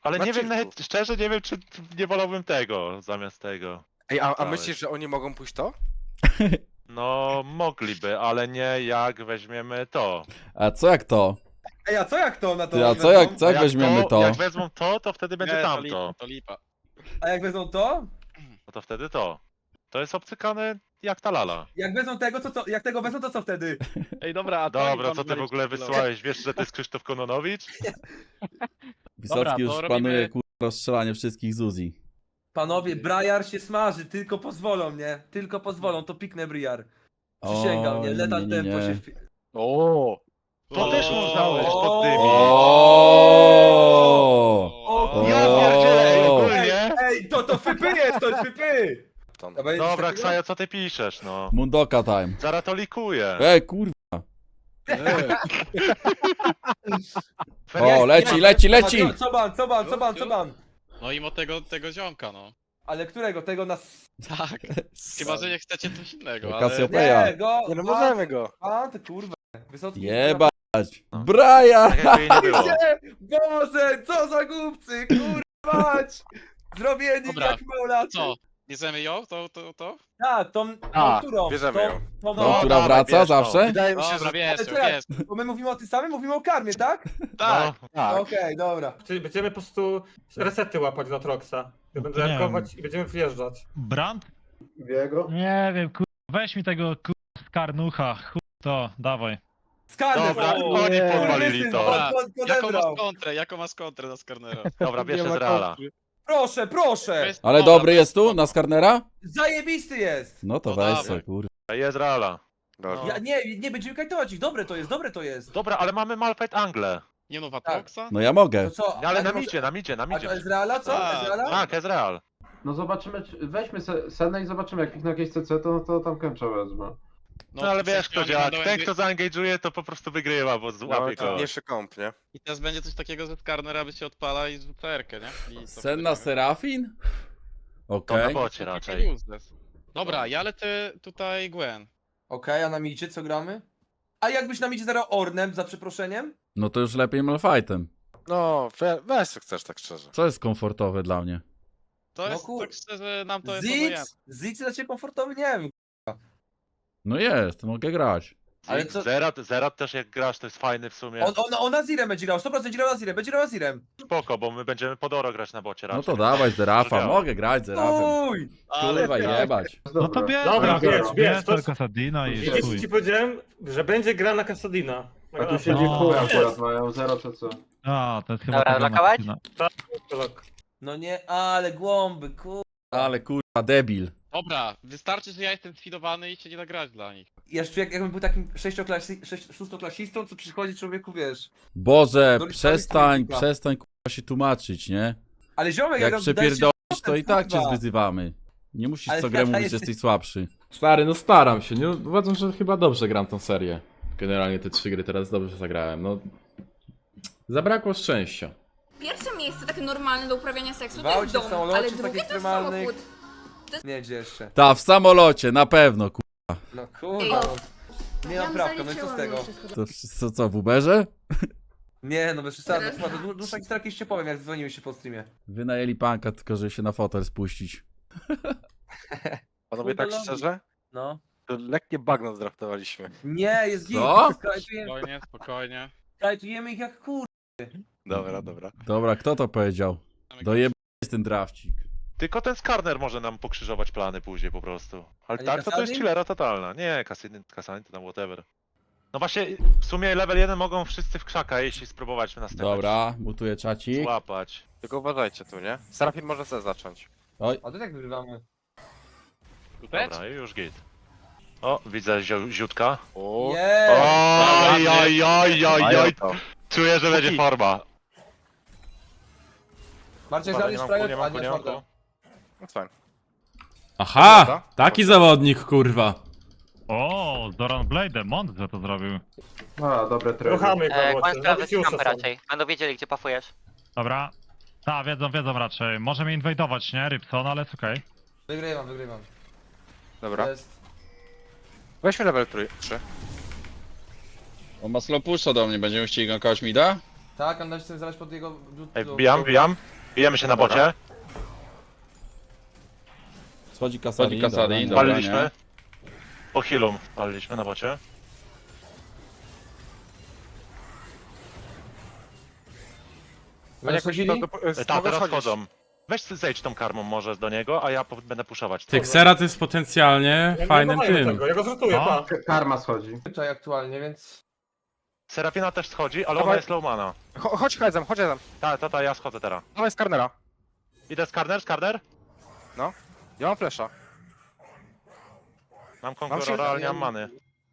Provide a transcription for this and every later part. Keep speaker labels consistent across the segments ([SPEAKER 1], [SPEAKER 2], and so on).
[SPEAKER 1] Ale
[SPEAKER 2] Na
[SPEAKER 1] nie wiem,
[SPEAKER 2] chillku.
[SPEAKER 1] nawet szczerze nie wiem, czy nie wolałbym tego zamiast tego.
[SPEAKER 2] Ej, a
[SPEAKER 1] Dałeś.
[SPEAKER 2] myślisz, że oni mogą pójść to?
[SPEAKER 1] No, mogliby, ale nie jak weźmiemy to.
[SPEAKER 3] A co jak to?
[SPEAKER 4] Ej, a co jak to na to
[SPEAKER 3] Ty, a
[SPEAKER 4] oni
[SPEAKER 3] co jak,
[SPEAKER 4] wezmą?
[SPEAKER 3] co jak weźmiemy to?
[SPEAKER 1] Jak wezmą to wtedy będzie
[SPEAKER 5] Nie, to
[SPEAKER 1] tamto.
[SPEAKER 5] lipa, to lipa.
[SPEAKER 4] A jak wezmą to?
[SPEAKER 1] No to wtedy to. To jest obcykane jak ta lala.
[SPEAKER 4] Jak wezmą tego, to co? Jak tego wezmą, to co wtedy?
[SPEAKER 5] Ej, dobra, a
[SPEAKER 1] Dobra, co ty w ogóle wysłałeś? Wiesz, że to jest Krzysztof Kononowicz?
[SPEAKER 3] Wysocki już
[SPEAKER 5] to robimy-
[SPEAKER 3] planuje kurwa rozstrzelanie wszystkich Zuzi.
[SPEAKER 4] Panowie, Briar się smaży, tylko pozwolą, nie? Tylko pozwolą, to piknę Briar. Przysięgam, nie? Lethal tempo się wpi...
[SPEAKER 2] O.
[SPEAKER 1] To też można
[SPEAKER 4] O!
[SPEAKER 1] poddymić.
[SPEAKER 3] O!
[SPEAKER 1] Ja pierdzielę, ej, ogólnie.
[SPEAKER 4] Ej, to fypy jest, to jest fypy!
[SPEAKER 1] Dobra, Ksajo, co ty piszesz, no?
[SPEAKER 3] Mundoka time.
[SPEAKER 1] Zaraz to likuję.
[SPEAKER 3] Kurwa.
[SPEAKER 1] Feria-
[SPEAKER 3] O, leci!
[SPEAKER 4] Co ban?
[SPEAKER 5] No i tego ziomka, no.
[SPEAKER 4] Ale którego? Tego nas...
[SPEAKER 5] Tak. Chyba, że nie chcecie coś innego, ale...
[SPEAKER 3] Cassiopeia.
[SPEAKER 4] Nie, go!
[SPEAKER 2] Nie no, możemy go.
[SPEAKER 4] A, ty kurwa. Wysocki...
[SPEAKER 3] Jebać.
[SPEAKER 1] No.
[SPEAKER 3] Brian!
[SPEAKER 1] Tak jakby jej nie było.
[SPEAKER 4] Nie! Boże, co za głupcy, kurwa! Zrobieni
[SPEAKER 5] Dobra,
[SPEAKER 4] jak małolacy.
[SPEAKER 5] Co? Bierzemy ją? To?
[SPEAKER 4] Tak, tą którą?
[SPEAKER 2] bierzemy ją.
[SPEAKER 4] Tą,
[SPEAKER 3] No, która
[SPEAKER 1] dawaj,
[SPEAKER 3] wraca
[SPEAKER 1] bierz, no.
[SPEAKER 3] zawsze?
[SPEAKER 2] Wydaje mi się,
[SPEAKER 5] Dobra,
[SPEAKER 2] że...
[SPEAKER 5] wiesz,
[SPEAKER 4] Ale czekaj,
[SPEAKER 5] wiesz.
[SPEAKER 4] bo my mówimy o tym samym, mówimy o karmie, tak?
[SPEAKER 5] Tak.
[SPEAKER 1] No,
[SPEAKER 2] Tak.
[SPEAKER 4] Okej, dobra.
[SPEAKER 6] Czyli będziemy po prostu resety łapać do Troxa. Będę
[SPEAKER 7] Nie
[SPEAKER 6] jankować i będziemy wjeżdżać.
[SPEAKER 7] Brand?
[SPEAKER 8] Biego?
[SPEAKER 7] Nie wiem, weź mi tego skarnucha, to, dawaj.
[SPEAKER 4] Skarny!
[SPEAKER 1] Dobra, oni podwalili to.
[SPEAKER 5] Jaką masz kontrę na Skarnera?
[SPEAKER 1] Dobra, bierz z Reala.
[SPEAKER 4] Proszę, proszę!
[SPEAKER 3] Ale
[SPEAKER 5] Dobra,
[SPEAKER 3] dobry
[SPEAKER 5] to
[SPEAKER 3] jest tu, na Skarnera?
[SPEAKER 4] Zajebisty jest!
[SPEAKER 3] No to
[SPEAKER 5] No
[SPEAKER 3] weź
[SPEAKER 5] dawaj.
[SPEAKER 3] se, kurwa.
[SPEAKER 1] Jest Reala.
[SPEAKER 2] Dobra.
[SPEAKER 4] Ja, nie będziemy kajtować ich, dobre to jest.
[SPEAKER 1] Dobra, ale mamy Malfight Angle.
[SPEAKER 5] Nie no, Watroxa?
[SPEAKER 3] No ja mogę.
[SPEAKER 4] To co?
[SPEAKER 1] No, ale
[SPEAKER 4] a
[SPEAKER 1] na
[SPEAKER 4] może-
[SPEAKER 1] midzie, na midzie, na
[SPEAKER 4] A
[SPEAKER 1] midzie.
[SPEAKER 4] to Ezreala, co?
[SPEAKER 5] Tak,
[SPEAKER 4] Ezreala?
[SPEAKER 1] Tak, Ezreal.
[SPEAKER 8] No zobaczymy, weźmy Senę i zobaczymy, jak ich na jakieś CC, to tam Kęcza wezmę.
[SPEAKER 1] No ale wiesz kto
[SPEAKER 5] oni
[SPEAKER 1] działa,
[SPEAKER 5] będą
[SPEAKER 1] ten
[SPEAKER 5] jakby-
[SPEAKER 1] kto zaangage'uje to po prostu wygrywa, bo
[SPEAKER 2] No,
[SPEAKER 1] złapie go.
[SPEAKER 2] trudniejszy komp, nie?
[SPEAKER 5] I teraz będzie coś takiego, że Skarnera by się odpala i rzuca R-kę, nie? I to
[SPEAKER 3] Senna
[SPEAKER 5] wtedy-
[SPEAKER 3] Serafin?
[SPEAKER 1] To na
[SPEAKER 3] Okej.
[SPEAKER 1] bocie
[SPEAKER 5] Tylko
[SPEAKER 1] raczej.
[SPEAKER 5] useless. Dobra, ja lecę tutaj Gwen.
[SPEAKER 4] Okej, a na midzie co gramy? A jakbyś na midzie zagrał Ornem, za przeproszeniem?
[SPEAKER 3] No to już lepiej Malfightem.
[SPEAKER 2] No, weź co chcesz, tak szczerze.
[SPEAKER 3] Co jest komfortowe dla mnie?
[SPEAKER 5] To
[SPEAKER 4] No
[SPEAKER 5] jest,
[SPEAKER 4] kur-
[SPEAKER 5] tak szczerze, nam to jest obojętne.
[SPEAKER 4] Ziggs dla ciebie komfortowy? Nie wiem.
[SPEAKER 3] No jest, mogę grać.
[SPEAKER 4] Ale co-
[SPEAKER 1] Zerat też jak grasz to jest fajny w sumie.
[SPEAKER 4] On Azirem będzie grał, 100% będzie grał Azirem.
[SPEAKER 1] Spoko, bo my będziemy pod oro grać na bocie raczej.
[SPEAKER 3] No to dawaj Zerafa,
[SPEAKER 1] Działa.
[SPEAKER 3] mogę grać Zerafem.
[SPEAKER 4] Uj!
[SPEAKER 3] Kurwa jebać.
[SPEAKER 7] No to bierz,
[SPEAKER 6] Dobra, bierz, to-
[SPEAKER 7] tylko Sadina i
[SPEAKER 6] Widzisz,
[SPEAKER 7] chuj.
[SPEAKER 6] ci powiedziałem, że będzie gra na Kasadina.
[SPEAKER 8] A tu siedzi
[SPEAKER 7] No.
[SPEAKER 8] chuj akurat, mają 0 CC.
[SPEAKER 7] A, to jest chyba
[SPEAKER 9] Dobra,
[SPEAKER 7] tego
[SPEAKER 9] blokować?
[SPEAKER 7] Martina.
[SPEAKER 4] No nie, ale głąby,
[SPEAKER 3] Ale kurwa debil.
[SPEAKER 5] Dobra, wystarczy, że ja jestem sfidowany i się nie da grać dla nich.
[SPEAKER 4] Jeszcze jakbym był takim szóstoklasistą, co przychodzi człowieku, wiesz.
[SPEAKER 3] Boże,
[SPEAKER 4] Do liczby
[SPEAKER 3] przestań
[SPEAKER 4] licznika.
[SPEAKER 3] kurwa się tłumaczyć, nie?
[SPEAKER 4] Ale ziomek,
[SPEAKER 3] Jak
[SPEAKER 4] daj
[SPEAKER 3] przepierdolisz,
[SPEAKER 4] się
[SPEAKER 3] to i tak cię
[SPEAKER 4] kurwa.
[SPEAKER 3] zwyzywamy. Nie musisz
[SPEAKER 4] Ale
[SPEAKER 3] co grę
[SPEAKER 4] ja
[SPEAKER 3] mówić, że
[SPEAKER 4] jestem-
[SPEAKER 3] jesteś słabszy.
[SPEAKER 10] Stary, no staram się, nie? Uważam, że chyba dobrze gram tą serię. Generalnie te 3 gry teraz dobrze zagrałem, no... Zabrakło szczęścia.
[SPEAKER 11] Pierwsze miejsce takie normalne do uprawiania seksu to
[SPEAKER 4] Gwałcie
[SPEAKER 11] jest dom,
[SPEAKER 4] w samolocie,
[SPEAKER 11] ale
[SPEAKER 4] z
[SPEAKER 11] drugie
[SPEAKER 4] takich
[SPEAKER 11] to jest
[SPEAKER 4] ekstremalnych.
[SPEAKER 11] samochód.
[SPEAKER 4] Nie, gdzie jeszcze?
[SPEAKER 3] Ta, w samolocie, na pewno, kurwa.
[SPEAKER 4] No kurwa.
[SPEAKER 11] Ej,
[SPEAKER 4] Nie mam prawka, no i co z tego?
[SPEAKER 3] To co, w Uberze?
[SPEAKER 4] Nie, no bez przesady,
[SPEAKER 11] Teraz-
[SPEAKER 4] chyba to dłuższa historia kiedyś ci powiem, jak dzwoniły się po streamie.
[SPEAKER 3] Wynajęli panka, tylko żeby się na fotel spuścić.
[SPEAKER 2] Panowie, tak
[SPEAKER 4] Kurde,
[SPEAKER 2] szczerze?
[SPEAKER 4] No.
[SPEAKER 2] To lekkie bagno zdraftowaliśmy.
[SPEAKER 4] Nie, jest git.
[SPEAKER 3] Co?
[SPEAKER 5] Spokojnie, spokojnie.
[SPEAKER 4] Kajtujemy ich jak kur...
[SPEAKER 2] Dobra, dobra.
[SPEAKER 3] Dobra, kto to powiedział? Dojebany jest ten drafcik.
[SPEAKER 1] Tylko ten Skarner może nam pokrzyżować plany później po prostu. Ale
[SPEAKER 4] A nie
[SPEAKER 1] tak, to jest
[SPEAKER 4] Kasadin?
[SPEAKER 1] chillera totalna. Nie, Kasadin to tam whatever. No właśnie, w sumie level 1 mogą wszyscy w krzaka, jeśli spróbować następny.
[SPEAKER 3] Dobra, mutuję czacik.
[SPEAKER 1] Złapać.
[SPEAKER 2] Tylko uważajcie tu, nie? Serafin może sobie zacząć.
[SPEAKER 3] Oj,
[SPEAKER 4] A to jak wygrywamy?
[SPEAKER 5] Tutaj?
[SPEAKER 1] Dobra, i już git. O, widzę ziutka.
[SPEAKER 2] O,
[SPEAKER 4] Nie!
[SPEAKER 1] Oj, oj, oj, oj,
[SPEAKER 2] mają
[SPEAKER 1] oj.
[SPEAKER 2] to.
[SPEAKER 1] Czuję, że będzie forma.
[SPEAKER 4] Marcin,
[SPEAKER 1] Dobra,
[SPEAKER 4] żalisz
[SPEAKER 1] nie
[SPEAKER 4] prawie,
[SPEAKER 1] mam
[SPEAKER 4] a
[SPEAKER 1] ku,
[SPEAKER 4] nie
[SPEAKER 1] nie mam
[SPEAKER 4] szkoda.
[SPEAKER 1] ku.
[SPEAKER 2] No fajnie.
[SPEAKER 10] Aha! Taki zawodnik, kurwa.
[SPEAKER 7] O, Zoran Blade, mądrze to zrobił.
[SPEAKER 8] A, dobre trade.
[SPEAKER 6] Ruchamy go,
[SPEAKER 9] Kłan
[SPEAKER 6] bocie.
[SPEAKER 9] sprawdzę
[SPEAKER 6] Nowicjusza
[SPEAKER 9] kampę
[SPEAKER 6] są.
[SPEAKER 9] raczej. Będą wiedzieli, gdzie pafujesz.
[SPEAKER 7] Dobra. Ta, wiedzą raczej. Możemy inwajdować, nie? Rybson, ale jest okej.
[SPEAKER 4] Wygrywam.
[SPEAKER 2] Dobra.
[SPEAKER 4] Jest.
[SPEAKER 2] Weźmy level 3.
[SPEAKER 10] On ma slow pusha do mnie, będziemy chcieli gankować mida?
[SPEAKER 4] Tak, ale chcę zaraz pod jego...
[SPEAKER 1] Ej, wbijam. Bijemy się na bocie.
[SPEAKER 3] Schodzi Kasadin.
[SPEAKER 2] Kasadin,
[SPEAKER 3] dobra.
[SPEAKER 1] Paliliśmy. Po healum paliliśmy na bocie.
[SPEAKER 2] Oni jakoś
[SPEAKER 4] Schodzili?
[SPEAKER 1] Tak,
[SPEAKER 2] mogę
[SPEAKER 1] teraz
[SPEAKER 2] schodzić.
[SPEAKER 1] chodzą. Weź zejdź tą karmą może do niego, a ja będę puszować.
[SPEAKER 10] Ty, Xerath jest potencjalnie
[SPEAKER 6] Ja
[SPEAKER 10] fajnym
[SPEAKER 6] nie
[SPEAKER 10] tym.
[SPEAKER 6] tego, ja go zrzutuję,
[SPEAKER 7] No.
[SPEAKER 6] pa.
[SPEAKER 8] Karma schodzi.
[SPEAKER 4] Tutaj aktualnie, więc...
[SPEAKER 1] Serafina też schodzi, ale
[SPEAKER 2] Dawaj.
[SPEAKER 1] ona jest low mana.
[SPEAKER 2] Chodź Hedzem, chodź Hedzem.
[SPEAKER 1] Ta, ja schodzę teraz.
[SPEAKER 2] Dawaj Skarnera.
[SPEAKER 1] Idę skarner?
[SPEAKER 2] Ja mam flesza.
[SPEAKER 1] Mam
[SPEAKER 2] Mam
[SPEAKER 1] konkurora,
[SPEAKER 2] się-
[SPEAKER 1] ale nie mam many.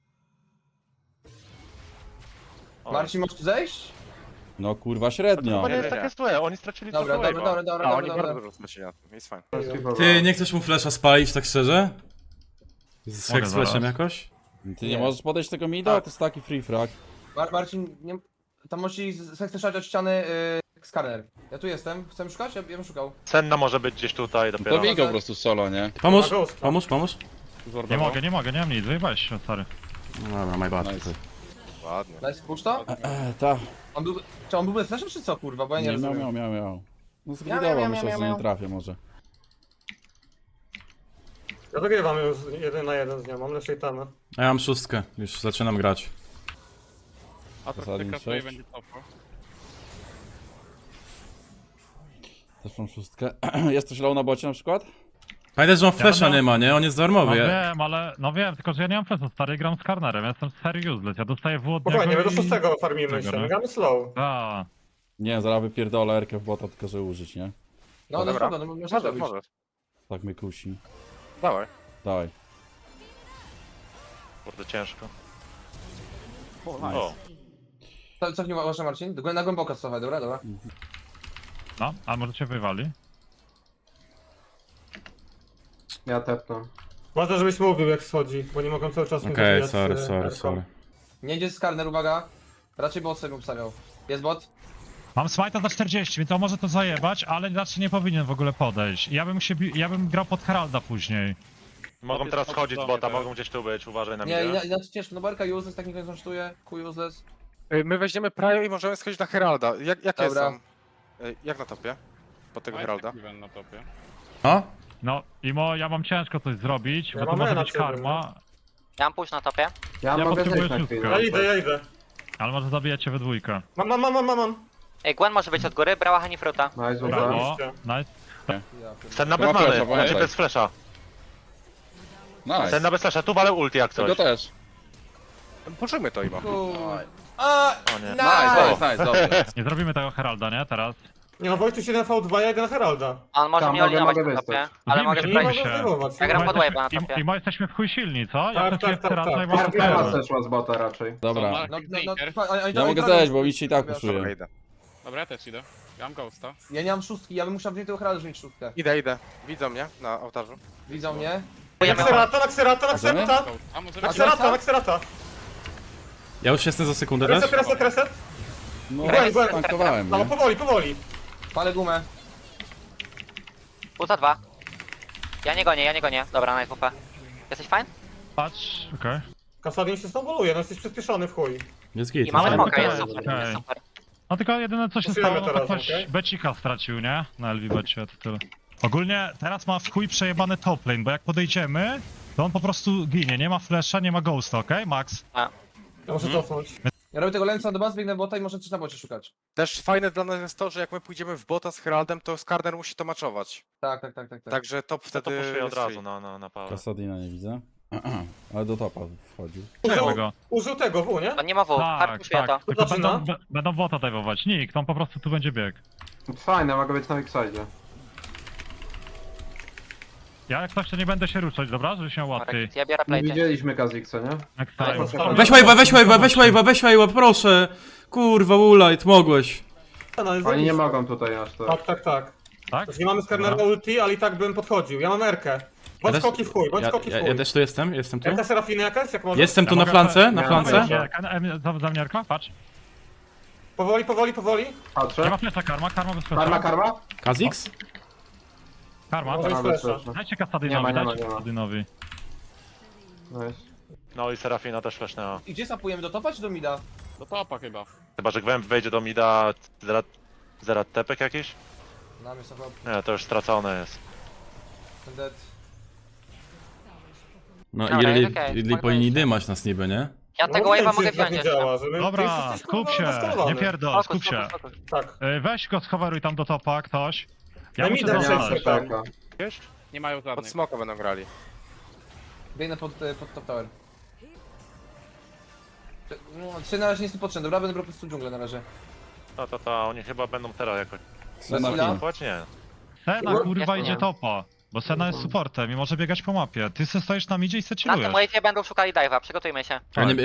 [SPEAKER 1] O,
[SPEAKER 4] Marcin, możesz tu zejść?
[SPEAKER 3] No kurwa średnio.
[SPEAKER 1] To nie jest nie. takie złe, oni stracili
[SPEAKER 4] Dobra,
[SPEAKER 1] trochę
[SPEAKER 4] dobra,
[SPEAKER 1] wave'a.
[SPEAKER 4] dobra,
[SPEAKER 2] A oni
[SPEAKER 4] dobra.
[SPEAKER 2] bardzo dużo stracili na tym, jest fajnie.
[SPEAKER 10] Ty, nie chcesz mu flasha spalić tak szczerze? Z
[SPEAKER 7] Mogę
[SPEAKER 10] Hex flashem
[SPEAKER 7] zaraz.
[SPEAKER 10] jakoś?
[SPEAKER 3] Ty nie możesz podejść tego mida? To jest taki free frag.
[SPEAKER 4] Marcin, nie... Tam musi chcesz od ściany skarner. Ja tu jestem, chcę szukać? Ja bym szukał.
[SPEAKER 1] Senna może być gdzieś tutaj dopiero.
[SPEAKER 4] bij go po
[SPEAKER 2] prostu solo, nie?
[SPEAKER 10] Pomóż,
[SPEAKER 6] Ma ghosta.
[SPEAKER 10] pomóż.
[SPEAKER 7] Nie mogę, nie mam nic, wyjebałeś się, stary.
[SPEAKER 10] No dobra, my bad.
[SPEAKER 2] Ładnie.
[SPEAKER 4] Daj push to?
[SPEAKER 3] Ta.
[SPEAKER 4] Czy on był bez flasha, czy co kurwa? Bo ja nie
[SPEAKER 3] Nie,
[SPEAKER 4] rozumiem.
[SPEAKER 3] miał. No
[SPEAKER 4] Miał,
[SPEAKER 3] zgridował, myślę, że nie
[SPEAKER 4] miał.
[SPEAKER 3] trafię może.
[SPEAKER 6] Ja wygrywam już 1 na 1 z nią, mam lepszej tamy.
[SPEAKER 10] A ja mam szóstkę, już zaczynam grać.
[SPEAKER 5] A to
[SPEAKER 3] Kasadin
[SPEAKER 5] ty krasuje
[SPEAKER 3] 6.
[SPEAKER 5] będzie topo.
[SPEAKER 3] Też mam szóstkę. Jest coś low na bocie na przykład?
[SPEAKER 10] Pamiętaj, że on flasha
[SPEAKER 7] będę-
[SPEAKER 10] nie ma, nie? On jest
[SPEAKER 7] No
[SPEAKER 10] darmowy.
[SPEAKER 7] wiem, ale... No wiem, tylko że ja nie mam flesu, stary, gram z Karnerem, ja jestem serio useless, ja dostaję w od
[SPEAKER 6] Spokojnie, my
[SPEAKER 7] niego
[SPEAKER 6] do
[SPEAKER 7] i...
[SPEAKER 6] 6 farmimy się,
[SPEAKER 7] Tego, no.
[SPEAKER 6] my gramy slow.
[SPEAKER 7] A,
[SPEAKER 3] Nie, zaraz wypierdolę Erkę w bota, tylko że użyć, nie?
[SPEAKER 4] No, no
[SPEAKER 2] Dobra.
[SPEAKER 4] spoko, no możesz
[SPEAKER 2] Możesz,
[SPEAKER 4] zrobić.
[SPEAKER 2] możesz.
[SPEAKER 3] Tak mnie kusi.
[SPEAKER 2] Dawaj.
[SPEAKER 3] Dawaj.
[SPEAKER 1] Kurde, ciężko.
[SPEAKER 10] Nice.
[SPEAKER 1] O,
[SPEAKER 4] Cofnij może Marcin, na głęboko cofaj, dobra, dobra.
[SPEAKER 7] no, a może cię wywali?
[SPEAKER 8] Ja tepnę.
[SPEAKER 6] Ważne, żebyś mówił jak schodzi, bo nie mogą cały czas mi
[SPEAKER 10] Okej,
[SPEAKER 6] zabijać,
[SPEAKER 10] sorry.
[SPEAKER 6] Erką.
[SPEAKER 4] Nie idzie skarner, uwaga. Raczej bot sobie obstawiał. Jest bot?
[SPEAKER 7] Mam smite'a za 40, więc on może to zajebać, ale raczej nie powinien w ogóle podejść. Ja bym grał pod Heralda później.
[SPEAKER 1] mogą
[SPEAKER 5] jest
[SPEAKER 1] teraz
[SPEAKER 5] pod
[SPEAKER 1] schodzić z
[SPEAKER 5] domem
[SPEAKER 1] bota,
[SPEAKER 5] teraz.
[SPEAKER 1] mogą gdzieś tu być, uważaj na
[SPEAKER 4] Nie,
[SPEAKER 1] mnie.
[SPEAKER 4] inaczej ciężko, no barka useless, tak nikt nie kosztuje, Q useless.
[SPEAKER 2] My weźmiemy Prajo i możemy schodzić na Heralda. Jakie
[SPEAKER 4] Dobra.
[SPEAKER 2] są? Jak na topie? Po tego
[SPEAKER 5] Mike
[SPEAKER 2] Heralda?
[SPEAKER 5] Steven na topie.
[SPEAKER 10] No?
[SPEAKER 7] No, ja mam ciężko coś zrobić,
[SPEAKER 6] Ja
[SPEAKER 7] bo to
[SPEAKER 6] mam
[SPEAKER 7] może
[SPEAKER 6] na
[SPEAKER 7] być
[SPEAKER 6] ciebie,
[SPEAKER 7] karma,
[SPEAKER 11] Ja mam pójść na topie.
[SPEAKER 8] Ja,
[SPEAKER 7] Ja
[SPEAKER 8] mogę
[SPEAKER 7] potrzebuję
[SPEAKER 8] zejść na chwilę.
[SPEAKER 7] szóstkę.
[SPEAKER 6] Ja idę.
[SPEAKER 7] ale może zabijacie we dwójkę.
[SPEAKER 6] Mam.
[SPEAKER 11] Ej, Gwen może być od góry, brała Hanifruta.
[SPEAKER 8] Nice, dobra.
[SPEAKER 7] Brawo,
[SPEAKER 6] Oczywiście.
[SPEAKER 7] nice.
[SPEAKER 1] Senna bez many, znaczy bez flasha.
[SPEAKER 2] Nice.
[SPEAKER 1] Senna bez flasha, tu walę ulti jak coś.
[SPEAKER 2] też. Poczujmy to, Imo.
[SPEAKER 4] A,
[SPEAKER 1] O nie.
[SPEAKER 2] nice, dobrze.
[SPEAKER 7] Nie zrobimy tego Heralda, nie? Teraz.
[SPEAKER 6] Nie no, Wojtuś 1v2, ja idę na Heralda.
[SPEAKER 11] On może
[SPEAKER 8] Tam
[SPEAKER 11] mnie
[SPEAKER 8] mogę
[SPEAKER 11] olinować na
[SPEAKER 8] wystać.
[SPEAKER 11] topie, ale
[SPEAKER 7] Wiem,
[SPEAKER 11] mogę
[SPEAKER 7] że
[SPEAKER 6] Nie
[SPEAKER 7] Daj
[SPEAKER 11] sprawdzić.
[SPEAKER 6] mogę
[SPEAKER 7] się.
[SPEAKER 6] zrywować.
[SPEAKER 11] Ja gram
[SPEAKER 6] nie
[SPEAKER 11] pod
[SPEAKER 6] mogę.
[SPEAKER 11] wave'a na topie.
[SPEAKER 7] I jesteśmy w chuj silni, co? Ja
[SPEAKER 6] Tak,
[SPEAKER 7] pracuję
[SPEAKER 6] tak,
[SPEAKER 7] w Heralda
[SPEAKER 6] tak,
[SPEAKER 7] i
[SPEAKER 6] tak.
[SPEAKER 7] mam
[SPEAKER 8] Karma
[SPEAKER 7] super.
[SPEAKER 8] zeszła z bota raczej.
[SPEAKER 3] Dobra.
[SPEAKER 5] Mark
[SPEAKER 4] no,
[SPEAKER 5] Sneaker.
[SPEAKER 3] Ja mogę zejść, bo mi się i tak
[SPEAKER 2] Dobra,
[SPEAKER 3] puszuje.
[SPEAKER 2] idę.
[SPEAKER 5] Dobra, ja też idę. Ja mam ghosta.
[SPEAKER 4] Ja nie mam szóstki, ja bym musiał wziąć tego Heralda, żeby mieć szóstkę.
[SPEAKER 2] Idę. Widzą mnie na ołtarzu.
[SPEAKER 4] Widzą mnie?
[SPEAKER 6] Na Xerata.
[SPEAKER 5] A może
[SPEAKER 6] Na Xerata.
[SPEAKER 10] Ja już jestem za sekundę też.
[SPEAKER 6] Reset.
[SPEAKER 3] No,
[SPEAKER 6] Gwen.
[SPEAKER 3] tankowałem,
[SPEAKER 6] No,
[SPEAKER 3] nie?
[SPEAKER 6] powoli.
[SPEAKER 4] Palę gumę.
[SPEAKER 11] Puta 2. Ja nie gonię. Dobra, nice WP. Jesteś fajny?
[SPEAKER 7] Patrz, okej.
[SPEAKER 6] Kasadin się snowballuje, no jesteś przyspieszony w chuj.
[SPEAKER 10] Jest git.
[SPEAKER 11] I mamy
[SPEAKER 7] Ale
[SPEAKER 11] smoka,
[SPEAKER 7] okej,
[SPEAKER 11] jest super,
[SPEAKER 7] okej.
[SPEAKER 11] jest super.
[SPEAKER 7] No tylko jedyne co się
[SPEAKER 6] Głosujemy
[SPEAKER 7] stało, no to
[SPEAKER 6] teraz,
[SPEAKER 7] ktoś
[SPEAKER 6] okej?
[SPEAKER 7] becika stracił, nie? Na LV becie, to tyle. Ogólnie teraz ma w chuj przejebane top lane, bo jak podejdziemy, to on po prostu ginie, nie ma flasha, nie ma ghosta, okej? Max?
[SPEAKER 6] Ja muszę cofnąć.
[SPEAKER 4] Ja robię tego Lensa do bas, biegnę bota i może coś na bocie szukać.
[SPEAKER 2] Też fajne dla nas jest to, że jak my pójdziemy w bota z Heraldem, to Skarner musi to maczować.
[SPEAKER 4] Tak.
[SPEAKER 2] Także top
[SPEAKER 1] To
[SPEAKER 2] wtedy
[SPEAKER 1] puszuję od
[SPEAKER 2] jest
[SPEAKER 1] razu
[SPEAKER 2] free.
[SPEAKER 1] na power.
[SPEAKER 3] Kasadina nie widzę. Ale do topa wchodził.
[SPEAKER 7] Czekaj go.
[SPEAKER 6] Użył tego W, nie?
[SPEAKER 11] On nie ma W,
[SPEAKER 7] Tak,
[SPEAKER 11] harpuszuje to.
[SPEAKER 7] tak, tylko
[SPEAKER 6] Zaczyna?
[SPEAKER 7] będą bota dajwować. Nikt, on po prostu tu będzie bieg.
[SPEAKER 8] Fajne, mogę być na X-Side.
[SPEAKER 7] Ja jak coś to nie będę się ruszać, dobra? Żeby się łatwiej.
[SPEAKER 11] Ja biorę
[SPEAKER 8] Nie
[SPEAKER 11] plate.
[SPEAKER 8] widzieliśmy Kazixa, nie?
[SPEAKER 7] Next
[SPEAKER 4] Ale
[SPEAKER 7] time.
[SPEAKER 4] poczekaj.
[SPEAKER 10] Weź wave'a, proszę. Kurwa, Ulajt, mogłeś.
[SPEAKER 6] No, jest
[SPEAKER 8] Oni nie
[SPEAKER 6] zajebiście.
[SPEAKER 8] mogą tutaj aż tak.
[SPEAKER 6] Tak.
[SPEAKER 7] Tak?
[SPEAKER 6] Znaczy, nie mamy Skernera
[SPEAKER 7] Dobra.
[SPEAKER 6] ulti, ale i tak bym podchodził. Ja mam Erkę. Bądź
[SPEAKER 10] też-
[SPEAKER 6] skoki w chuj, bądź skoki w chuj.
[SPEAKER 10] Ja też tu jestem tu.
[SPEAKER 6] Erka Serafiny jakaś? Jak może?
[SPEAKER 10] Jestem tu
[SPEAKER 7] Ja
[SPEAKER 10] na
[SPEAKER 7] mogę-
[SPEAKER 10] flance, na
[SPEAKER 8] Ja
[SPEAKER 10] flance.
[SPEAKER 8] mogę.
[SPEAKER 7] Za mniarka? Patrz.
[SPEAKER 6] Powoli.
[SPEAKER 7] Nie
[SPEAKER 8] Patrzę.
[SPEAKER 7] ma flesza, karma bez flesza.
[SPEAKER 8] Karma?
[SPEAKER 10] Kazix?
[SPEAKER 7] Karma.
[SPEAKER 6] To jest
[SPEAKER 8] Karma bez
[SPEAKER 6] flasha.
[SPEAKER 8] flasha.
[SPEAKER 7] Dajcie
[SPEAKER 8] Nie ma,
[SPEAKER 7] Kasadynowi,
[SPEAKER 8] nie ma,
[SPEAKER 7] dajcie
[SPEAKER 8] nie ma.
[SPEAKER 7] Kasadynowi.
[SPEAKER 8] Nice.
[SPEAKER 1] No i Serafina też flashnęła.
[SPEAKER 4] I gdzie sapujemy, do topa czy do mida?
[SPEAKER 5] Do topa chyba.
[SPEAKER 1] Chyba, że Gwemp wejdzie do mida, zerat tepek jakiś?
[SPEAKER 9] Na mnie są chyba...
[SPEAKER 1] Nie, to już stracone jest.
[SPEAKER 9] Dead.
[SPEAKER 10] No
[SPEAKER 11] Dobra,
[SPEAKER 10] Irli,
[SPEAKER 11] okej,
[SPEAKER 10] Irli
[SPEAKER 11] spokojnie.
[SPEAKER 10] powinni dymać nas niby, nie?
[SPEAKER 11] Ja
[SPEAKER 6] No
[SPEAKER 11] tego
[SPEAKER 6] mówię
[SPEAKER 11] wave'a
[SPEAKER 6] ci,
[SPEAKER 11] mogę
[SPEAKER 6] że tak
[SPEAKER 11] wziąć
[SPEAKER 6] nie
[SPEAKER 11] jeszcze.
[SPEAKER 6] działa, że my- ty
[SPEAKER 7] Dobra,
[SPEAKER 6] jesteś,
[SPEAKER 7] skup
[SPEAKER 6] kurwa,
[SPEAKER 7] się,
[SPEAKER 6] naskalowany.
[SPEAKER 7] nie pierdol,
[SPEAKER 11] Fokus,
[SPEAKER 7] skup się.
[SPEAKER 11] fokus, fokus.
[SPEAKER 6] Tak.
[SPEAKER 7] Weź go, schowaruj tam do topa, ktoś. Ja
[SPEAKER 6] Daj
[SPEAKER 7] muszę
[SPEAKER 6] mi ten
[SPEAKER 7] zobaczyć.
[SPEAKER 6] przejść tam.
[SPEAKER 1] Wiesz?
[SPEAKER 5] Nie mają
[SPEAKER 2] Pod
[SPEAKER 5] żadnych.
[SPEAKER 2] smoka będą grali.
[SPEAKER 9] Biegnę pod top tower. No, ty na razie nie jestem potrzebny, dobra? Będę po prostu dżunglę na razie.
[SPEAKER 1] To, oni chyba będą teraz jakoś...
[SPEAKER 9] Sena chwila.
[SPEAKER 1] Płać? Nie.
[SPEAKER 7] Sena kurwa
[SPEAKER 11] Ja
[SPEAKER 7] idzie
[SPEAKER 11] nie.
[SPEAKER 7] topa. Bo Sena jest supportem i może biegać po mapie. Ty se stoisz na midzie i se
[SPEAKER 11] Na tym
[SPEAKER 7] chillujesz.
[SPEAKER 11] wave'ie będą szukali dive'a, przygotujmy się.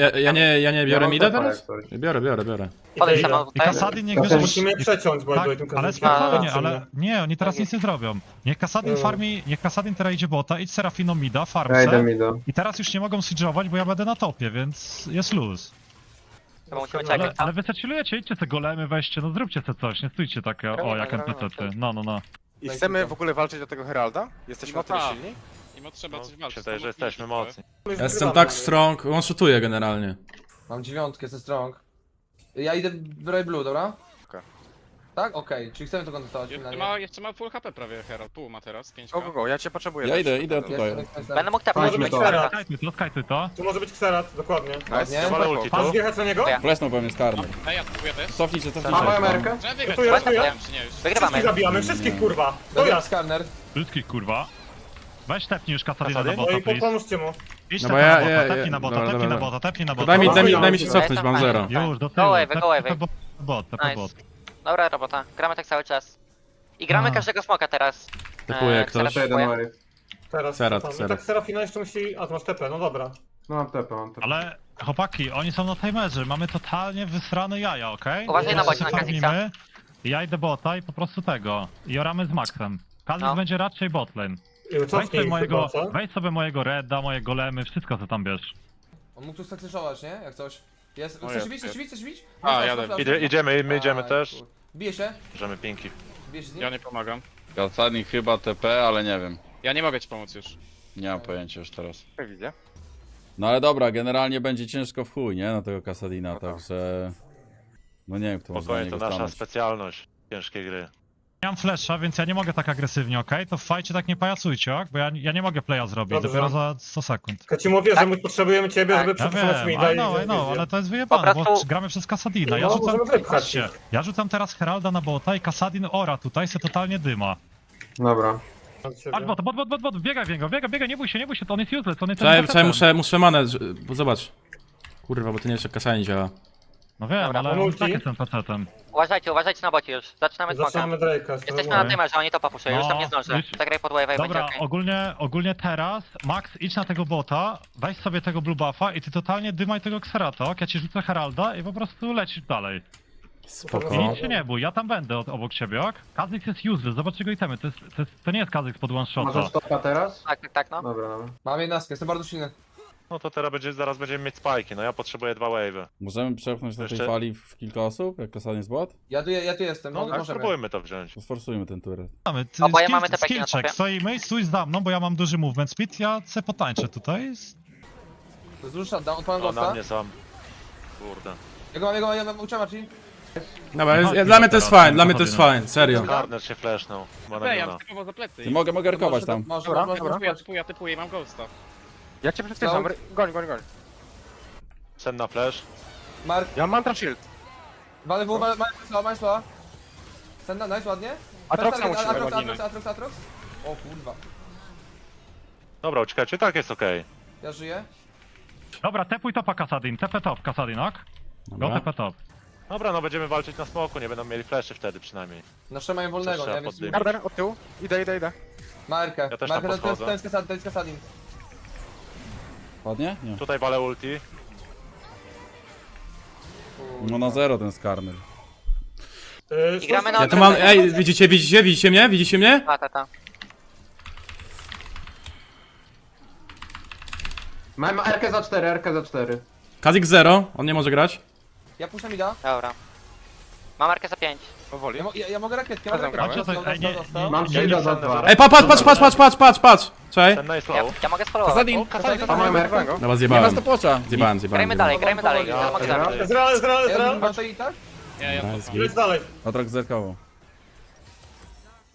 [SPEAKER 10] Ja nie biorę
[SPEAKER 8] mam
[SPEAKER 10] mida
[SPEAKER 8] topa,
[SPEAKER 10] teraz?
[SPEAKER 8] jak coś.
[SPEAKER 10] Biorę.
[SPEAKER 11] Podejdź
[SPEAKER 6] Idę.
[SPEAKER 11] tam
[SPEAKER 7] I
[SPEAKER 11] tutaj.
[SPEAKER 7] Kasadin niech
[SPEAKER 8] To
[SPEAKER 7] bierze...
[SPEAKER 6] Musimy przeciąć, bo ja
[SPEAKER 7] Tak,
[SPEAKER 6] byłem tym
[SPEAKER 7] ale
[SPEAKER 6] kazakiem.
[SPEAKER 7] spokojnie,
[SPEAKER 6] Zobaczymy.
[SPEAKER 7] ale nie, oni teraz nic nie zrobią. Niech Kasadin
[SPEAKER 6] No.
[SPEAKER 7] farmi, niech Kasadin teraz idzie bota, idź Serafino mida,
[SPEAKER 8] Ja idę
[SPEAKER 7] farmse.
[SPEAKER 8] mi do.
[SPEAKER 7] I teraz już nie mogą siege'ować, bo ja będę na topie, więc jest luz.
[SPEAKER 11] Chyba musimy
[SPEAKER 7] Ale,
[SPEAKER 11] czekać.
[SPEAKER 7] ale wy se chillujecie, idźcie te golemy, weźcie, no zróbcie te coś, nie stójcie takie, o
[SPEAKER 11] Robimy,
[SPEAKER 7] jak
[SPEAKER 11] robimy,
[SPEAKER 7] NPC-ty. No.
[SPEAKER 2] I chcemy w ogóle walczyć o tego Heralda? Jesteśmy
[SPEAKER 5] No
[SPEAKER 2] na tyle
[SPEAKER 5] tak.
[SPEAKER 2] silni?
[SPEAKER 5] Mimo trzeba coś
[SPEAKER 1] No,
[SPEAKER 5] walczyć.
[SPEAKER 1] wydaje, że jesteśmy mocni.
[SPEAKER 6] Już
[SPEAKER 10] Jestem
[SPEAKER 6] wygrywamy.
[SPEAKER 10] tak strong, on shootuje generalnie.
[SPEAKER 9] Mam 9, jestem strong. Ja idę w Ray Blue, dobra?
[SPEAKER 2] Okej.
[SPEAKER 9] Tak? Okej, czyli chcemy to kontestować finalnie.
[SPEAKER 5] Jeszcze ma full HP prawie Herald, pół ma teraz, 5
[SPEAKER 2] Go, ja cię potrzebuję.
[SPEAKER 3] Ja
[SPEAKER 2] też.
[SPEAKER 3] idę tutaj.
[SPEAKER 11] Będę mógł tapnąć.
[SPEAKER 6] Może być
[SPEAKER 11] będzie
[SPEAKER 6] Xerath.
[SPEAKER 11] tapka.
[SPEAKER 7] Skajtuj to.
[SPEAKER 6] Tu może być Xerath, dokładnie.
[SPEAKER 2] Nice,
[SPEAKER 9] Nie?
[SPEAKER 1] Walę ulti
[SPEAKER 6] Pan
[SPEAKER 1] tu.
[SPEAKER 6] zjechać na niego?
[SPEAKER 11] Ja.
[SPEAKER 3] Flesznął we mnie skarny.
[SPEAKER 5] Ej, ja spróbuję też.
[SPEAKER 3] Cofnijcie.
[SPEAKER 8] Mam moją merkę?
[SPEAKER 5] Trzeba wygrać,
[SPEAKER 6] Ratuję, ratuję.
[SPEAKER 5] czy nie już?
[SPEAKER 11] Wygrywamy.
[SPEAKER 6] Wszystkich zabijamy, wszystkich kurwa.
[SPEAKER 9] Dobra,
[SPEAKER 6] Dobra.
[SPEAKER 9] skarner.
[SPEAKER 7] Wszystkich kurwa. Weź tepnij już Kasadina na
[SPEAKER 1] Kasadin?
[SPEAKER 6] No
[SPEAKER 7] bota,
[SPEAKER 6] i
[SPEAKER 7] please.
[SPEAKER 6] pomóżcie mu.
[SPEAKER 7] Idź
[SPEAKER 10] No
[SPEAKER 7] no
[SPEAKER 10] bo
[SPEAKER 7] na
[SPEAKER 10] ja-
[SPEAKER 7] bota,
[SPEAKER 10] ja-
[SPEAKER 7] tepnij na bota,
[SPEAKER 10] dobra,
[SPEAKER 7] tepnij na
[SPEAKER 10] dobra.
[SPEAKER 7] bota, tepnij na bota.
[SPEAKER 10] Daj mi się cofnąć, mam zero.
[SPEAKER 7] Już, do
[SPEAKER 11] Go
[SPEAKER 7] tyłu,
[SPEAKER 11] away, go away.
[SPEAKER 7] tep bot.
[SPEAKER 11] Nice. Dobra robota, gramy tak cały czas. I gramy
[SPEAKER 7] A.
[SPEAKER 11] każdego smoka teraz.
[SPEAKER 10] Typuje
[SPEAKER 11] Xerath
[SPEAKER 10] ktoś.
[SPEAKER 8] To jeden
[SPEAKER 11] typuje.
[SPEAKER 8] Mary.
[SPEAKER 6] Teraz.
[SPEAKER 10] Xerath,
[SPEAKER 6] tam. I
[SPEAKER 10] Xerath.
[SPEAKER 6] tak Serafina jeszcze musi... A, to masz TP, no dobra.
[SPEAKER 8] No mam tepę, mam tepę.
[SPEAKER 7] Ale chłopaki, oni są na timerze, mamy totalnie wysrane jaja, okej?
[SPEAKER 11] Uważaj na
[SPEAKER 7] Teraz
[SPEAKER 11] bocie,
[SPEAKER 7] się
[SPEAKER 11] na Kha'Zix'a.
[SPEAKER 7] farmimy, Ja idę bota i po prostu tego. I oramy z Maxem. Kha'Zix
[SPEAKER 11] No.
[SPEAKER 7] będzie raczej botlane.
[SPEAKER 6] I cofnij chyba, co?
[SPEAKER 7] Weź sobie mojego Redda, moje golemy, wszystko co tam bierz.
[SPEAKER 9] On mógł tu sakseszować, nie? Jak coś. Jest.
[SPEAKER 2] No
[SPEAKER 9] Chcesz
[SPEAKER 2] jest,
[SPEAKER 9] bić? Chcesz bić? Chcesz bić?
[SPEAKER 5] A,
[SPEAKER 9] Masz
[SPEAKER 5] jadę.
[SPEAKER 9] flash,
[SPEAKER 1] Idziemy, my
[SPEAKER 9] Aj,
[SPEAKER 1] idziemy też.
[SPEAKER 9] kur- Bije się?
[SPEAKER 1] Bierzemy pinki.
[SPEAKER 9] Bijesz z nim?
[SPEAKER 5] Ja nie pomagam.
[SPEAKER 3] Kasadnik chyba TP, ale nie wiem.
[SPEAKER 5] Ja nie mogę ci pomóc już.
[SPEAKER 3] Nie mam pojęcia już teraz.
[SPEAKER 2] Jak widzę.
[SPEAKER 3] No ale dobra, generalnie będzie ciężko w chuj, nie? Na tego Kasadina,
[SPEAKER 2] No tak.
[SPEAKER 3] także... No nie wiem, kto może na
[SPEAKER 1] Spokojnie, to
[SPEAKER 3] niego
[SPEAKER 1] nasza
[SPEAKER 3] stanąć.
[SPEAKER 1] specjalność ciężkiej gry.
[SPEAKER 7] Nie mam flesza, więc ja nie mogę tak agresywnie, okej? To w fajcie tak nie pajacujcie, ok? Bo ja nie mogę playa zrobić,
[SPEAKER 6] Dobrze.
[SPEAKER 7] dopiero za 100 sekund.
[SPEAKER 6] Ja ci mówię, że my potrzebujemy ciebie,
[SPEAKER 11] Tak.
[SPEAKER 6] żeby
[SPEAKER 7] Ja
[SPEAKER 6] przetrwać
[SPEAKER 7] wiem,
[SPEAKER 6] mida
[SPEAKER 7] I know,
[SPEAKER 6] wizję.
[SPEAKER 7] ale to jest wyjebane,
[SPEAKER 11] Po
[SPEAKER 7] bo
[SPEAKER 11] prostu-
[SPEAKER 7] gramy przez Kasadina. Ja
[SPEAKER 6] No,
[SPEAKER 7] rzucam,
[SPEAKER 6] możemy wypchać
[SPEAKER 7] patrzcie,
[SPEAKER 6] ich.
[SPEAKER 7] ja rzucam teraz Heralda na bota i Kasadin ora tutaj se totalnie dyma.
[SPEAKER 8] Dobra.
[SPEAKER 7] Chodź bot, biegaj w niego, biegaj, nie bój się, to on jest useless, on jest
[SPEAKER 10] Czekaj, muszę manę, bo zobacz. Kurwa, bo to nie jeszcze kasa nie działa.
[SPEAKER 7] No wiem,
[SPEAKER 11] Dobra,
[SPEAKER 7] ale
[SPEAKER 6] mam
[SPEAKER 7] on
[SPEAKER 6] ulti.
[SPEAKER 7] tak jest NPC-tem.
[SPEAKER 11] Uważajcie na bocie już. Zaczynamy smoka.
[SPEAKER 6] Zaczynamy Drake'a.
[SPEAKER 11] Jesteśmy
[SPEAKER 6] spróbujmy.
[SPEAKER 11] na tymerze, oni to popuszczą, już tam nie zdążę.
[SPEAKER 7] już-
[SPEAKER 11] Zagraj pod wave'a i będzie
[SPEAKER 7] Dobra,
[SPEAKER 11] okej.
[SPEAKER 7] ogólnie teraz, Max, idź na tego bota, weź sobie tego blue buffa i ty totalnie dymaj tego Xerata, ok? Ja ci rzucę Heralda i po prostu lecisz dalej. I
[SPEAKER 10] Spoko.
[SPEAKER 7] nic się nie bój, ja tam będę obok ciebie, ok? Kha'Zix jest useless, zobacz jego itemy, to nie jest Kha'Zix pod one shota.
[SPEAKER 8] Możesz topa teraz?
[SPEAKER 11] Tak, no.
[SPEAKER 8] Dobra, dobra.
[SPEAKER 9] Mam 11, jestem bardzo silny.
[SPEAKER 1] No to teraz zaraz będziemy mieć spajki, no ja potrzebuję 2 wave'y.
[SPEAKER 3] Możemy przepchnąć na tej
[SPEAKER 1] Jeszcze-
[SPEAKER 3] fali w kilka osób, jak Kasadin jest bot?
[SPEAKER 9] Ja tu jestem,
[SPEAKER 1] No tak,
[SPEAKER 9] możemy.
[SPEAKER 1] spróbujmy to wziąć.
[SPEAKER 3] To sforsujmy ten turret.
[SPEAKER 7] Mamy,
[SPEAKER 11] Oboje mamy te peki na
[SPEAKER 7] skill check,
[SPEAKER 11] topie.
[SPEAKER 7] stoimy, stój za mną, bo ja mam duży movement speed, ja se potańczę tutaj.
[SPEAKER 9] To jest duży shutdown, odpalam
[SPEAKER 1] O, na
[SPEAKER 9] ghosta.
[SPEAKER 1] mnie sam. Kurde.
[SPEAKER 9] Ja mam uczę ci.
[SPEAKER 10] Dobra, dla mnie to jest fajne, dla mnie to jest fajne, serio.
[SPEAKER 1] Garner się flashnął. Ma na
[SPEAKER 5] Ej, ja
[SPEAKER 1] niona.
[SPEAKER 5] bym typował za plecy.
[SPEAKER 3] Ty mogę rykować tam.
[SPEAKER 9] Masz,
[SPEAKER 2] Dobra,
[SPEAKER 9] masz,
[SPEAKER 2] dobra.
[SPEAKER 9] masz.
[SPEAKER 5] Ja typuję i mam ghosta.
[SPEAKER 2] Ja cię przyspieszam, goń.
[SPEAKER 1] Sen na flash.
[SPEAKER 9] Mark,
[SPEAKER 2] Ja mam mantra shield.
[SPEAKER 9] walę w, mamy słowa. Senda, nice, ładnie.
[SPEAKER 2] Atroxa musimy
[SPEAKER 9] Atrox. O kurwa,
[SPEAKER 1] Dobra, uciekajcie, tak jest okej.
[SPEAKER 9] ja żyję.
[SPEAKER 7] Dobra, tepuj topa Kasadin, TP top Kasadin, ok? Go
[SPEAKER 10] Dobra.
[SPEAKER 7] TP top.
[SPEAKER 1] Dobra, no będziemy walczyć na smoku, nie będą mieli fleszy wtedy przynajmniej.
[SPEAKER 9] Nasze mają wolnego,
[SPEAKER 1] Trzeba
[SPEAKER 9] nie? Więc
[SPEAKER 1] poddymić.
[SPEAKER 2] Garder, od tyłu. Idę.
[SPEAKER 9] Markę.
[SPEAKER 1] Ja też tam
[SPEAKER 9] Markę,
[SPEAKER 1] podchodzę.
[SPEAKER 9] to jest Kasadin.
[SPEAKER 3] Ładnie? Nie.
[SPEAKER 1] Tutaj walę ulti.
[SPEAKER 3] No na zero ten skarner.
[SPEAKER 11] I gramy na
[SPEAKER 10] Ja tu mam, ej, widzicie mnie? Widzicie mnie?
[SPEAKER 11] Ta.
[SPEAKER 8] Mam RK za 4, RK za 4.
[SPEAKER 10] Kazik 0, on nie może grać.
[SPEAKER 9] Ja puszczam mida.
[SPEAKER 11] Dobra. Mam markę za 5.
[SPEAKER 2] Powoli.
[SPEAKER 9] Ja mogę rakietkę,
[SPEAKER 2] Razem gramy.
[SPEAKER 8] Mam shielda za 2.
[SPEAKER 10] Ej, patrz! Czekaj.
[SPEAKER 1] Ten nice
[SPEAKER 11] Ja,
[SPEAKER 1] low.
[SPEAKER 11] ja mogę spolować.
[SPEAKER 3] Kasadin!
[SPEAKER 8] A moją merkę?
[SPEAKER 10] Dobra,
[SPEAKER 3] Nie ma
[SPEAKER 10] zjebałem.
[SPEAKER 3] stopwatcha!
[SPEAKER 11] Grajmy dalej.
[SPEAKER 1] Ja
[SPEAKER 11] Ja mogę zabić.
[SPEAKER 6] Ezreal!
[SPEAKER 9] Ja bym i tak?
[SPEAKER 5] Nie, ja to
[SPEAKER 10] Nice,
[SPEAKER 6] Leć dalej.
[SPEAKER 3] Atrok zerkował.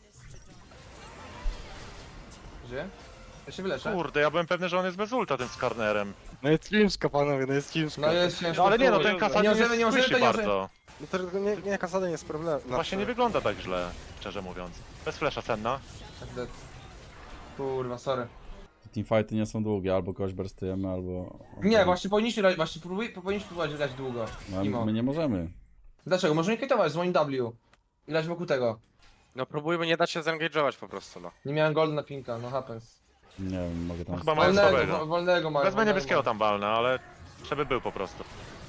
[SPEAKER 9] Żyje? Ja się wyleczę.
[SPEAKER 1] Kurde, ja byłem pewny, że on jest bez ulta tym Skarnerem.
[SPEAKER 2] No jest ciężko, panowie, no jest ciężko.
[SPEAKER 9] No jest ciężko.
[SPEAKER 1] No ale nie no,
[SPEAKER 9] chuj.
[SPEAKER 1] ten Kasadin
[SPEAKER 9] możemy,
[SPEAKER 1] jest słyszy
[SPEAKER 9] to nie możemy.
[SPEAKER 1] bardzo.
[SPEAKER 2] No to nie Kasada nie jest problem.
[SPEAKER 1] Właśnie nie wygląda tak źle, szczerze mówiąc. Bez flesza Senna.
[SPEAKER 9] Tak, dead. Kurwa, sorry.
[SPEAKER 3] Teamfighty nie są długie, albo kogoś burstujemy, albo...
[SPEAKER 9] Nie, właśnie powinniśmy grać, powinniśmy próbować grać długo.
[SPEAKER 3] No,
[SPEAKER 9] Imo.
[SPEAKER 3] my nie możemy.
[SPEAKER 9] Dlaczego? Możemy kitować z moim W. I grać wokół tego.
[SPEAKER 2] No próbujmy nie dać się zengage'ować po prostu, no.
[SPEAKER 9] Nie miałem golda na pinka, no happens.
[SPEAKER 3] Nie wiem, mogę tam...
[SPEAKER 1] No chyba mają słabego.
[SPEAKER 9] Wolnego mają.
[SPEAKER 1] Wezmę
[SPEAKER 9] wolnego
[SPEAKER 1] niebieskiego
[SPEAKER 9] mają.
[SPEAKER 1] tam balna, ale żeby był po prostu.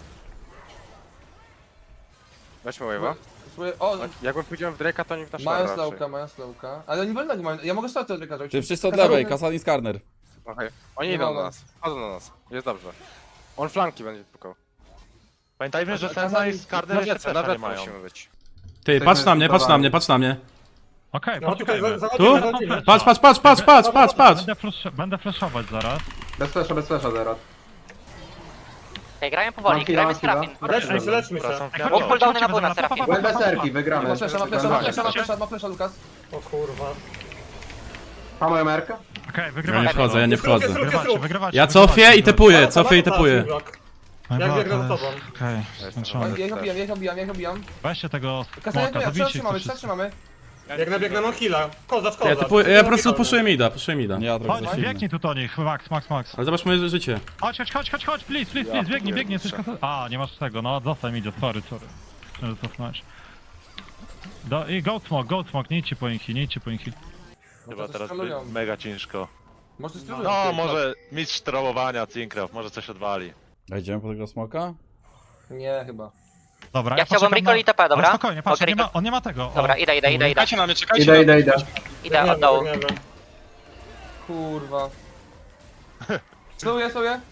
[SPEAKER 2] Weźmy wave'a.
[SPEAKER 9] Spróbuję- O,
[SPEAKER 2] Jakbym pójdziemy w Drake'a, to nie w nasz
[SPEAKER 9] mają
[SPEAKER 2] raczej.
[SPEAKER 9] slowka, mają slowka. Ale oni wolnego mają. Ja mogę stać od lekarza.
[SPEAKER 3] Ty wszyscy od lewej, Kasadin Skarner.
[SPEAKER 2] Okej. Oni
[SPEAKER 9] Nie
[SPEAKER 2] idą
[SPEAKER 9] mogę.
[SPEAKER 2] do nas. Chodzą do nas. Jest dobrze. On flanki będzie tylko.
[SPEAKER 1] Pamiętajmy, że
[SPEAKER 9] A
[SPEAKER 1] Senna i Skarner jeszcze
[SPEAKER 2] Nawet
[SPEAKER 1] flesza nie mają.
[SPEAKER 2] musimy być.
[SPEAKER 10] Ty, patrz na mnie, patrz na mnie, patrz na mnie.
[SPEAKER 7] Okej,
[SPEAKER 6] No tutaj
[SPEAKER 7] poczekajmy.
[SPEAKER 6] zachodzimy,
[SPEAKER 10] Tu?
[SPEAKER 6] zachodzimy.
[SPEAKER 10] Patrz, patrz, patrz, patrz, patrz, patrz, patrz!
[SPEAKER 7] Będę flashować zaraz.
[SPEAKER 8] Bez flesza teraz.
[SPEAKER 11] Okej, grajmy powoli,
[SPEAKER 8] Mam chwilę,
[SPEAKER 11] grajmy
[SPEAKER 8] mam chwilę.
[SPEAKER 11] Serafin.
[SPEAKER 6] Leczmy się, leczmy się.
[SPEAKER 1] Wracam w
[SPEAKER 7] Ej,
[SPEAKER 1] miarę.
[SPEAKER 11] Mam cooldowny na
[SPEAKER 7] chodźcie,
[SPEAKER 11] buna,
[SPEAKER 7] chodźcie,
[SPEAKER 11] Serafin.
[SPEAKER 8] Byłem bez serki, wygramy.
[SPEAKER 9] Ma flesza, ma flesza, Lukas.
[SPEAKER 6] O kurwa.
[SPEAKER 8] Pa moją merkę?
[SPEAKER 7] Okej,
[SPEAKER 10] Ja nie
[SPEAKER 7] wygrywacie.
[SPEAKER 10] wchodzę, ja nie wchodzę.
[SPEAKER 7] Wygrywacie, wygrywacie.
[SPEAKER 10] Ja cofię i tepuję, cofię i tepuję.
[SPEAKER 6] Jak biegnę za tobą.
[SPEAKER 7] Okej, skończony.
[SPEAKER 9] Ja ich obijam.
[SPEAKER 7] Weźcie tego
[SPEAKER 9] Kasanie,
[SPEAKER 7] smoka,
[SPEAKER 9] ja
[SPEAKER 7] zabijcie ich
[SPEAKER 9] trzymamy,
[SPEAKER 7] wszyscy.
[SPEAKER 9] trzymamy.
[SPEAKER 6] Biegnę, mam heal'a. Kozacz,
[SPEAKER 10] Ja,
[SPEAKER 6] kozacz.
[SPEAKER 10] tepuję, ja po prostu puszuję mida, puszuję mida.
[SPEAKER 3] Nie, ja trochę
[SPEAKER 7] Chodź,
[SPEAKER 3] za silny.
[SPEAKER 7] biegnij tu do nich, Max.
[SPEAKER 10] Ale zobacz moje życie.
[SPEAKER 7] Chodź, please, biegnij, jesteś A, nie masz tego, no zostań idzie, sorry. Chcę cofnąć. I goat smoke, nie idźcie po inhi.
[SPEAKER 1] Chyba
[SPEAKER 9] to
[SPEAKER 1] teraz
[SPEAKER 9] sterują.
[SPEAKER 1] będzie mega ciężko.
[SPEAKER 9] Może sterują.
[SPEAKER 1] No, może mistrz trollowania Cinkrow, może coś odwali.
[SPEAKER 3] A idziemy po tego smoka?
[SPEAKER 9] Nie, chyba.
[SPEAKER 7] Dobra,
[SPEAKER 11] Ja chciałbym
[SPEAKER 7] poczekam
[SPEAKER 11] recall i TP, dobra?
[SPEAKER 7] Ale spokojnie, patrz,
[SPEAKER 11] Okej,
[SPEAKER 7] on nie ma tego. O,
[SPEAKER 11] Dobra, idę.
[SPEAKER 5] Czekajcie na mnie,
[SPEAKER 8] Idę.
[SPEAKER 11] Idę od dołu.
[SPEAKER 9] Kurwa. Slowie.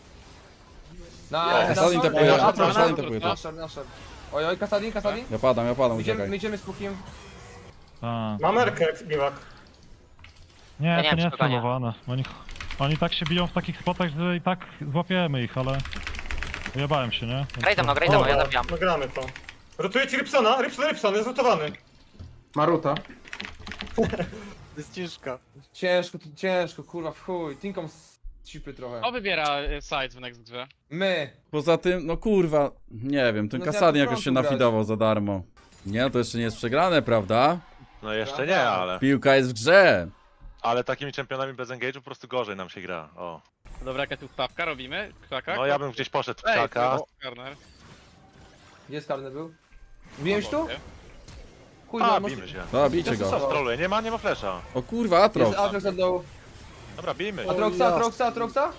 [SPEAKER 3] Kasadin tepuje, Kasadin tepuje to.
[SPEAKER 9] Nasher. Oj, Kasadin.
[SPEAKER 3] Ja padam,
[SPEAKER 9] My
[SPEAKER 3] uciekaj.
[SPEAKER 9] idziemy z pukiem.
[SPEAKER 7] A,
[SPEAKER 6] Mam merkę, biwak.
[SPEAKER 7] nie,
[SPEAKER 11] Ja nie
[SPEAKER 7] to
[SPEAKER 11] wiem,
[SPEAKER 7] nie
[SPEAKER 11] czy
[SPEAKER 7] jest
[SPEAKER 11] to nie.
[SPEAKER 7] celowane. Oni tak się biją w takich spotach, że i tak złapiemy ich, ale... Ujebałem się, nie?
[SPEAKER 11] Graj ze mną, ja zabijam.
[SPEAKER 6] No gramy to. Rotuję ci Rybsona, Rybson jest rotowany.
[SPEAKER 8] Maruta.
[SPEAKER 2] To jest ciężko.
[SPEAKER 9] Ciężko, kurwa, w chuj. Tinkom z cipy trochę.
[SPEAKER 5] Kto wybiera side w next grze?
[SPEAKER 9] My.
[SPEAKER 3] Poza tym, no kurwa, nie wiem, ten
[SPEAKER 9] No
[SPEAKER 3] Kasadin
[SPEAKER 9] ja
[SPEAKER 3] jakoś się
[SPEAKER 9] początku grać.
[SPEAKER 3] nafidował za darmo. Nie, no to jeszcze nie jest przegrane, prawda?
[SPEAKER 1] No jeszcze nie, ale...
[SPEAKER 3] Piłka jest w grze.
[SPEAKER 1] Ale takimi czempionami bez engage'u po prostu gorzej nam się gra. O.
[SPEAKER 5] Dobra, jaka tu wpawka robimy? Krzaka?
[SPEAKER 1] No ja bym gdzieś poszedł w
[SPEAKER 5] Ej,
[SPEAKER 1] krzaka.
[SPEAKER 5] Corner.
[SPEAKER 9] Gdzie Skarny był? Wbiłem się tu? Chuj,
[SPEAKER 1] A,
[SPEAKER 9] no,
[SPEAKER 1] bijmy się.
[SPEAKER 3] Dobra, bijcie go.
[SPEAKER 9] Zastosował.
[SPEAKER 1] Troluje, nie ma flesza.
[SPEAKER 3] O kurwa, Atrox.
[SPEAKER 9] Jest Atrox od dołu.
[SPEAKER 1] Dobra, bijmy.
[SPEAKER 9] Atroxa?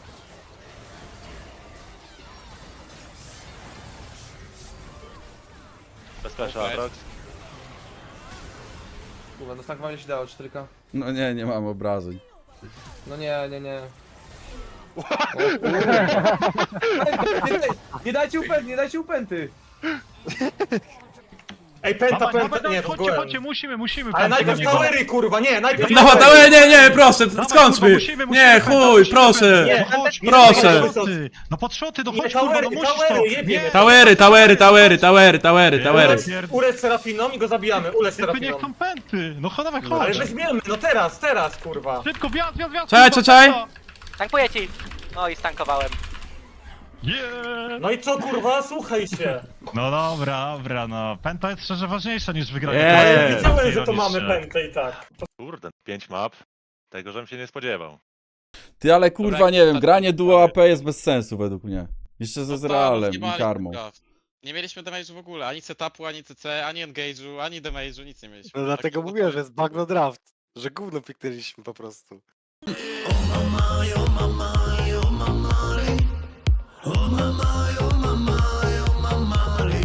[SPEAKER 1] Bez flesza,
[SPEAKER 5] Okej.
[SPEAKER 1] Atrox.
[SPEAKER 9] Kurwa, no tankowanie się dało, 4K.
[SPEAKER 3] No nie mam obrażeń.
[SPEAKER 9] No nie. O, kurwa. Nie dajcie upęty.
[SPEAKER 6] Ej, penta, nie, w ogóle.
[SPEAKER 7] Chodźcie, musimy.
[SPEAKER 6] Ale
[SPEAKER 7] pętę
[SPEAKER 6] najpierw
[SPEAKER 7] do niego.
[SPEAKER 6] towery, kurwa, nie, najpierw
[SPEAKER 10] No,
[SPEAKER 6] towery.
[SPEAKER 10] nie, proszę,
[SPEAKER 7] Dawaj,
[SPEAKER 10] skończmy!
[SPEAKER 7] kurwa, musimy,
[SPEAKER 10] Nie,
[SPEAKER 7] pętę,
[SPEAKER 10] chuj,
[SPEAKER 7] musimy
[SPEAKER 10] proszę!
[SPEAKER 7] pętę.
[SPEAKER 6] Nie,
[SPEAKER 7] No chodź,
[SPEAKER 10] proszę.
[SPEAKER 7] No pod szoty, no
[SPEAKER 6] Nie,
[SPEAKER 7] chodź kurwa, no
[SPEAKER 6] towery,
[SPEAKER 7] musisz
[SPEAKER 6] towery,
[SPEAKER 7] to.
[SPEAKER 6] jebiemy.
[SPEAKER 10] Tawery.
[SPEAKER 6] Ulec Serafiną i go zabijamy, ulec
[SPEAKER 7] Typy nie
[SPEAKER 6] Serafiną.
[SPEAKER 7] chcą pęty. No dawaj,
[SPEAKER 6] Ale
[SPEAKER 7] chodź.
[SPEAKER 6] weźmiemy, no teraz, kurwa.
[SPEAKER 7] Szybko, wjazd.
[SPEAKER 10] Czekaj.
[SPEAKER 11] Tankuję ci. No i stankowałem.
[SPEAKER 7] Yeah.
[SPEAKER 6] No i co, kurwa, słuchaj się.
[SPEAKER 7] No dobra, no. Pęta jest szczerze ważniejsza niż wygranie.
[SPEAKER 10] Yeah.
[SPEAKER 6] Ale wiedziałem, że to
[SPEAKER 7] Niż-
[SPEAKER 6] mamy pętę i tak.
[SPEAKER 1] Kurde, 5 map. Tego, żebym się nie spodziewał.
[SPEAKER 3] Ty, ale kurwa,
[SPEAKER 5] Dobra,
[SPEAKER 3] nie wiem,
[SPEAKER 5] tak,
[SPEAKER 3] granie duo
[SPEAKER 5] tak.
[SPEAKER 3] AP jest bez sensu według mnie. Jeszcze ze Zrealem i Karmą.
[SPEAKER 5] Nie mieliśmy damage'u w ogóle, ani setupu, ani CC, ani engage'u, ani damage'u, nic nie mieliśmy.
[SPEAKER 2] No dlatego
[SPEAKER 5] Taki
[SPEAKER 2] mówiłem, że jest bagno draft. Że gówno piknęliśmy po prostu.